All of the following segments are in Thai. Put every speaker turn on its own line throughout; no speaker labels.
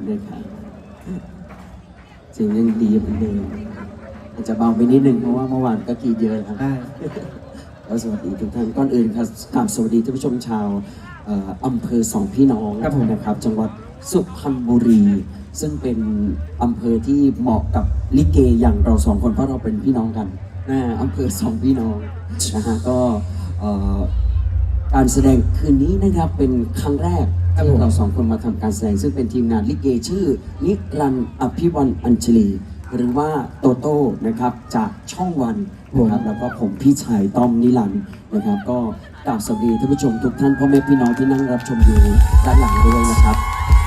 นะครับเสียงยังดีเหมือนเดิมอาจจะเบาไปนิดนึงเพราะว่าเมื่อวานก็กรีดเยอะครับ
ได้
แล้วสวัสดีทุกท่านก่อนอื่นครับกราบสวัสดีท่านผู้ชมชาวอำเภอสองพี่น้องนะครับจังหวัดสุพรรณบุรี ซึ่งเป็นอำเภอที่เหมาะกับลิเกอย่างเราสองคนเพราะเราเป็นพี่น้องกันอำเภอสองพี่น้องนะฮะก็การแสดงคืนนี้นะครับเป็นครั้งแรกที่เราสองคนมาทำการแสดงซึ่งเป็นทีมงานลิเกชื่อนิรันดร์อภิวันอัญชลีหรือว่าโตโต้นะครับจากช่องวันนะครับแล้วก็ผมพี่ชายต้อมนิรันดร์นะครับก็กราบสวัสดีท่านผู้ชมทุกท่านพ่อแม่พี่น้องที่นั่งรับชมอยู่ด้านหลังด้วยนะครับ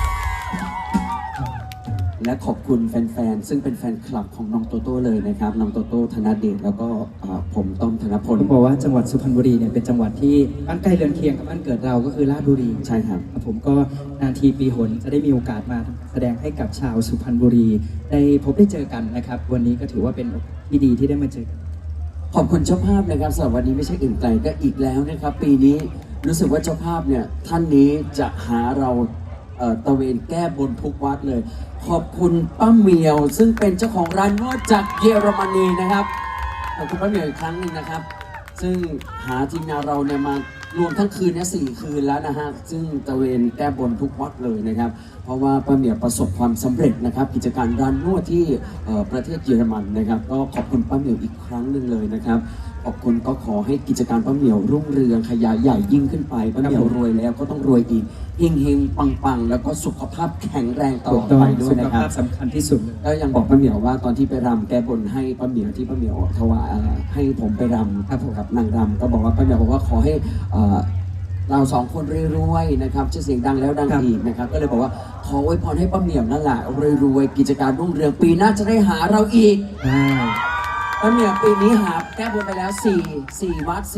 และขอบคุณแฟนๆซึ่งเป็นแฟนคลับของน้องโตโต้เลยนะครับน้องโตโต้ธนเดชแล้วก็ผมต้อมธนพล
ผมบอกว่าจังหวัดสุพรรณบุรีเนี่ยเป็นจังหวัดที่บ้านใกล้เรือนเคียงกับบ้านเกิดเราก็คือราชบุรี
ใช่ครับ
ผมก็นานทีปีหนจะได้มีโอกาสมาแสดงให้กับชาวสุพรรณบุรีได้พบได้เจอกันนะครับวันนี้ก็ถือว่าเป็นที่ดีที่ได้มาเจอกัน
ขอบคุณเจ้าภาพนะครับสำหรับวันนี้ไม่ใช่อื่นไกลก็อีกแล้วนะครับปีนี้รู้สึกว่าเจ้าภาพเนี่ยท่านนี้จะหาเราตะเวนแก้บนทุกวัดเลยขอบคุณป้าเหมียวซึ่งเป็นเจ้าของร้านนวดจากเยอรมนีนะครับขอบคุณป้าเหมียวอีกครั้งหนึ่งนะครับซึ่งหาทีมงานเราเนี่ยมารวมทั้งคืนเนี่ย4 คืนแล้วนะฮะซึ่งตะเวนแก้บนทุกวัดเลยนะครับเพราะว่าป้าเหมียวประสบความสำเร็จนะครับกิจการร้านนวดที่ประเทศเยอรมันนะครับก็ขอบคุณป้าเหมียวอีกครั้งหนึ่งเลยนะครับขอบคุณก็ขอให้กิจการป้าเหมียวรุ่งเรืองขยายใหญ่ยิ่งขึ้นไปป้าเหมียวรวยแล้วก็ต้องรวยอีกเฮงๆปังๆแล้วก็สุขภาพแข็งแรงต่อไปด้วยนะครับ
สุขภาพสำคัญที่สุด
ก็ยังบอกป้าเหมียวว่าตอนที่ไปรำแก้บนให้ป้าเหมียวที่ป้าเหมียวถวายให้ผมไปรำครับนางรำก็บอกว่าป้าเหมียวบอกว่าขอให้เราสองคนรวยๆนะครับชื่อเสียงดังแล้วดังอีกนะครับก็เลยบอกว่าขออวยพรให้ป้าเหมียวนั่นแหละรวยๆกิจการรุ่งเรืองปีหน้าจะได้หาเราอีกป้าเหมียวปีนี้หาแก้บนไปแล้ว4 วัด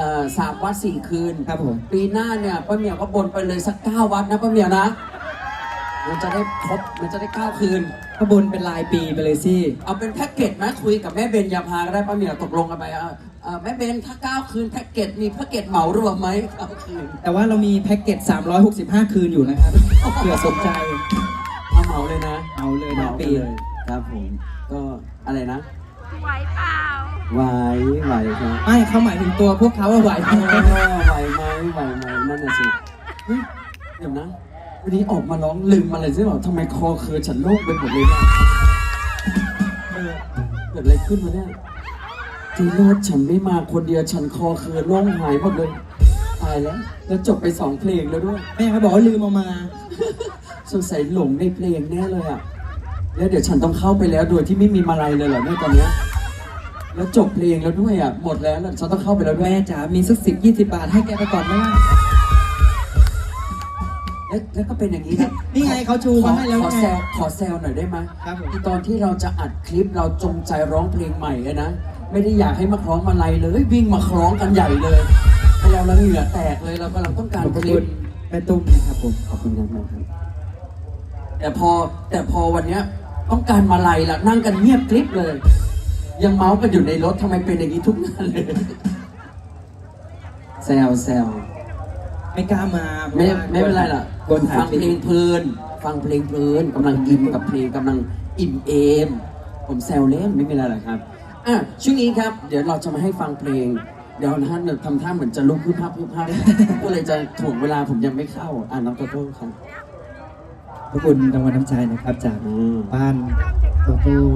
3 วัด 4 คืน
ครับผม
ปีหน้าเนี่ยป้าเหมียวก็บนไปเลยสัก9 วัดนะป้าเหมียวนะมันจะได้ครบมันจะได้9 คืน
ขบวนเป็นรายปีไปเลยสิ
เอาเป็นแพ็กเกจไหมคุยกับแม่เบญญาภาก็ได้ป้าเหมียวตกลงกันไปแม่เบนถ้า9 คืนแพ็กเกจมีแพ็กเกจเหมารวมไหม9 คืน
แต่ว่าเรามีแพ็กเกจ365 คืนอยู่นะครับเผื่อสนใจ
เอาเหมาเลยนะ
เอาเลยนะปีเลย
ครับผมก็อะไรนะ
ไหวเปล่า
ไหวครับ
ไม่เขาหมายถึงตัวพวกเขาว่าไหวไหม
นั่นน่ะสิเฮ้ยเดี๋ยวนะวันนี้ออกมาร้องลืมอะไรใช่ไหมทำไมคอเคือฉันโล่งไปหมดเลยเนี่ยเกิดอะไรขึ้นวะเนี่ยที่โลดฉันไม่มาคนเดียวฉันคอเคือโล่งหายหมดเลยตายแล้วจบไป2 เพลงแล้วด้วย
แม่เขาบอกว่าลืมเอามา
สงสัยหลงในเพลงแน่เลยอ่ะแล้วเดี๋ยวฉันต้องเข้าไปแล้วโดยที่ไม่มีมาลัยเลยเหรอเนี่ยตอนเนี้ยแล้วจบเพลงแล้วด้วยอ่ะหมดแล้วฉันต้องเข้าไปแล้วด้วย
แม่จ๋ามีสัก10-20 บาทให้แกไปก่อนไหมล่ะ
แล้วก็เป็นอย่างนี้นะ
นี่ไงเขาชูมาให้แล้วไง
ขอแซวหน่อยได้ไหม
ครับ
ที่ตอนที่เราจะอัดคลิปเราจงใจร้องเพลงใหม่นะไม่ได้อยากให้มาคล้องมาลัยเลยวิ่งมาคล้องกันใหญ่เลยให้เราละเหงื่อแตกเลยเรากำลังต้องการคลิป
แม่ตุ้มนะครับผม
ขอบคุณครับแต่พอวันเนี้ยต้องการมาลัยละนั่งกันเงียบคลิปเลยยังเมาส์กันอยู่ในรถทำไมเป็นอย่างนี้ทุกงานเลยแซว
ไม่กล้ามา
ไม่เป็นไรล่ะฟังเพลงเพลินกำลังอินกับเพลงกำลังอิ่มเอมผมแซวเล่นไม่เป็นไรหรอกครับช่วงนี้ครับเดี๋ยวเราจะมาให้ฟังเพลงเดี๋ยวท่านทำท่าเหมือนจะลุกพึ่งภาพก็เลยจะถ่วงเวลาผมยังไม่เข้าน้องโตโต้ครับ
ขอบคุณรางวัลน้ำใจนะครับจากบ้านโตโต้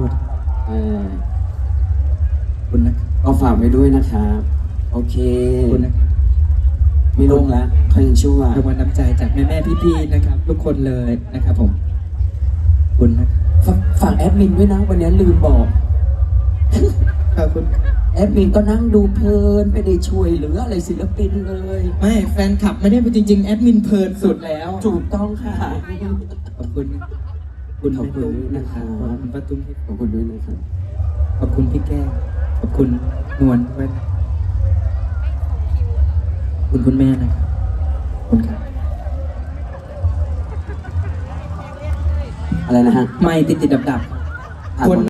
คุณนะ
ก็ฝากไว้ด้วยนะครับโอเค
คุณนะ
ไม่ลงแล้วเขายังชั่ว
รางวัลน้ำใจจากแม่พี่ๆนะครับทุกคนเลยนะครับผมคุณนะ
ฝากแอดมินด้วยนะวันนี้ลืมบอก
ขอบคุณ
แอดมินก็นั่งดูเพลินไม่ได้ช่วยเหลืออะไรศิลปินเลย
ไม่แฟนคลับไม่ได้จริงๆแอดมินเพลินสุดแล้ว
ถูกต้องค่ะ
ขอบคุณ
นะครับ
ขอบคุณป้าตุ้ม
ขอบคุณด้วยนะครับ
ขอบคุณพี่แก้วขอบคุณนวลด้วยคุณแม่นะครับคุณครับ
อะไรนะฮะ
ไม่ติดดับคน